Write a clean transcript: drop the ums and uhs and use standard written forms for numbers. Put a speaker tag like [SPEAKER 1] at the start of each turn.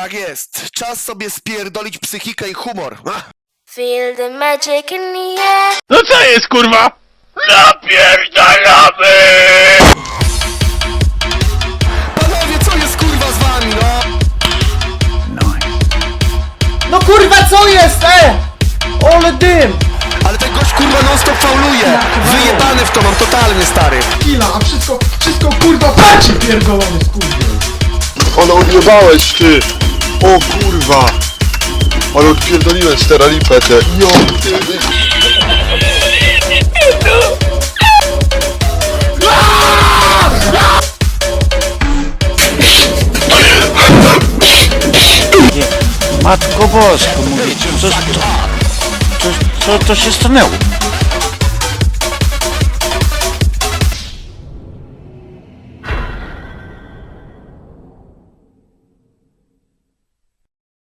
[SPEAKER 1] Tak jest. Czas sobie spierdolić psychikę i humor.
[SPEAKER 2] Feel the magic in the air.
[SPEAKER 3] No co jest, kurwa? Napierdalamy!
[SPEAKER 1] Panowie, co jest kurwa z wami, no?
[SPEAKER 4] No kurwa, co jest, Ole dym!
[SPEAKER 1] Ale ten gość kurwa non stop fauluje. Wyjebany w to mam totalnie, stary.
[SPEAKER 4] Kila, a wszystko kurwa paci pierdolony skurwiel.
[SPEAKER 5] Ale odjebałeś ty! O kurwa! Ale odpierdoliłem steralipę te. Jo, ty!
[SPEAKER 3] Matko Bosko, mówię, co się stanęło?